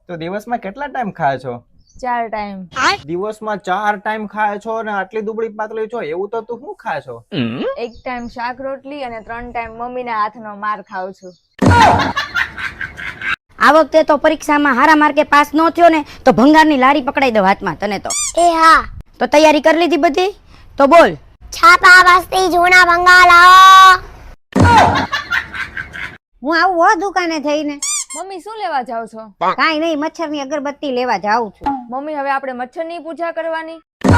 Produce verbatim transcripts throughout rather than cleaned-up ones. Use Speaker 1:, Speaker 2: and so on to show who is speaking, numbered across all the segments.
Speaker 1: તો દિવસમાં કેટલા ટાઈમ ખાય છો?
Speaker 2: ચાર ટાઈમ.
Speaker 1: દિવસમાં ચાર ટાઈમ ખાય છો અને આટલી દુબળી પાતળી છો, એવું તો તું શું ખાય છો?
Speaker 2: એક ટાઈમ શાક રોટલી અને ત્રણ ટાઈમ મમ્મીના હાથનો માર ખાઉં છું.
Speaker 3: આ વખતે તો પરીક્ષામાં હારા માર્કે પાસ ન થયો ને તો ભંગારની લારી પકડાઈ દો હાથમાં તને તો.
Speaker 4: એ હા,
Speaker 3: તો તૈયારી કરી લીધી બધી? તો બોલ.
Speaker 4: છાપા બસ્તી જૂના ભંગાર લાવો.
Speaker 3: હું આવું હો દુકાને થઈને.
Speaker 2: મમ્મી શું લેવા જાવ છો?
Speaker 3: કાઈ નહીં, મચ્છરની અગરબત્તી લેવા જાઉં છું.
Speaker 2: મમ્મી હવે આપણે મચ્છરની પૂજા કરવાની.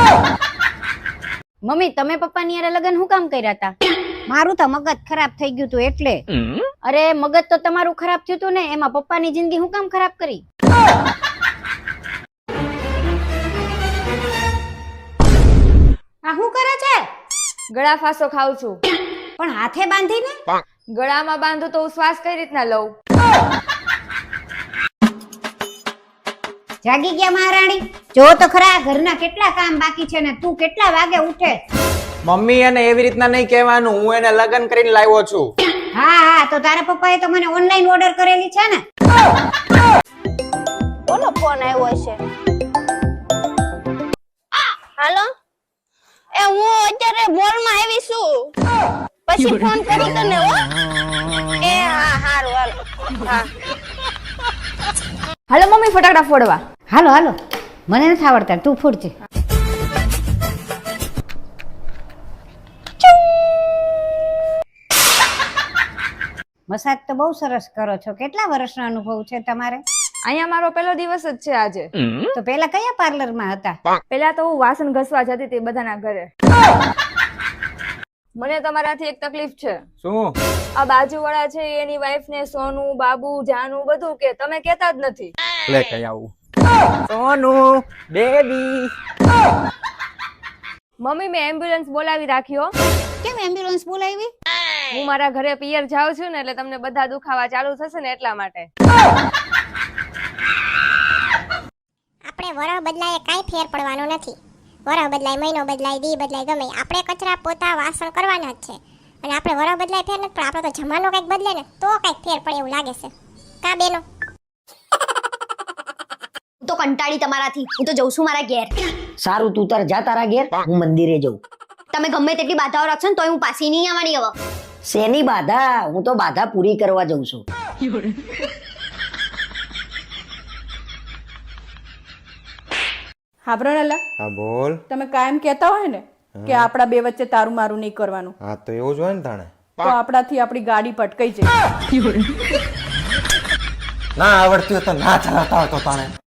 Speaker 3: મમ્મી તમે પપ્પાની હારે લગન શું કામ કર્યા હતા? મારું તો મગજ ખરાબ થઈ ગયું તું એટલે. અરે મગજ તો તમારું ખરાબ થયું તું ને, એમાં પપ્પાની જિંદગી શું કામ ખરાબ કરી? આ શું કરે છે?
Speaker 2: ગળા ફાંસો ખાઉં છું.
Speaker 3: પણ હાથે બાંધીને?
Speaker 2: ગળામાં બાંધું તો હું શ્વાસ કઈ રીતના લઉં?
Speaker 3: જાગી ગયા મહારાણી? જો તો ખરા ઘરના કેટલા કામ બાકી છે ને તું કેટલા વાગે ઉઠે?
Speaker 1: મમ્મી એને એવી રીતના નહીં કહેવાનું, હું એને લગન કરીને લાવ્યો છું.
Speaker 3: હા હા, તો તારા પપ્પાએ તો મને ઓનલાઈન ઓર્ડર કરેલી છે ને.
Speaker 4: કોનો ફોન આવ્યો છે? હાલો, એ હું અત્યારે મોલમાં આવી છું, પછી ફોન કરું તને. હો એ હા, હારું હાલો. હા
Speaker 2: હાલો મમ્મી ફટાકડા ફોડવા.
Speaker 3: હાલો હાલો, મને નથી આવડતા, તું ફૂટજે. મસાજ તો બહુ સરસ કરો છો. કેટલા વર્ષનો અનુભવ છે તમારે?
Speaker 2: અહીંયા મારો પહેલો દિવસ જ છે આજે.
Speaker 3: તો પેલા કયા પાર્લરમાં હતા?
Speaker 2: પેલા તો હું વાસણ ઘસવા જતી હતી બધાના ઘરે. મને તમારાથી એક તકલીફ છે.
Speaker 1: શું?
Speaker 2: આ બાજુવાળા છે એની વાઈફ ને સોનું, બાબુ, જાનુ બધું કે, તમે કેતા જ નથી.
Speaker 1: લે કઈ આવું. સોનુ બેબી.
Speaker 2: મમ્મી મેં એમ્બ્યુલન્સ બોલાવી રાખ્યો.
Speaker 3: કેમ એમ્બ્યુલન્સ બોલાવી?
Speaker 2: હું મારા ઘરે પિયર જાઉં છું ને એટલે તમને બધા દુખાવા ચાલુ થશે ને એટલા માટે.
Speaker 4: આપણે વરહ બદલાય કાંઈ ફેર પડવાનો નથી. વરહ બદલાય, મહિનો બદલાય, દી બદલાય, ગમે આપણે કચરા પોતા વાસણ કરવાના જ છે. અને આપણે વરહ બદલાય ફેર નથી, પણ આપણો તો જમાનો કંઈક બદલે ને તો કંઈક ફેર પડે એવું લાગે છે. કા બેનો?
Speaker 5: હું તો કંટાળી તમારાથી. હું તો જઉં છું મારા ઘેર.
Speaker 3: સારું, તું તાર જા તારા ઘેર, હું મંદિરે જઉં.
Speaker 5: તમે ગમે તેટલી બાધાઓ રાખશો ને તોય હું પાછી નહીં આવવાની હવે.
Speaker 3: શેની બાધા? હું તો બાધા પૂરી કરવા જઉં છું.
Speaker 6: હા બ્રનલા,
Speaker 1: હા બોલ.
Speaker 6: તમે કાયમ કહેતા હોય ને કે આપણા બે વચ્ચે તારું મારું નહીં કરવાનું,
Speaker 1: હા તો એવું જ હોય ને તાણે.
Speaker 6: તો આપણાથી આપણી ગાડી પટકાઈ જાય.
Speaker 1: ના આવડતી હોય તો ના ચલાવતા હોય તો તાણે.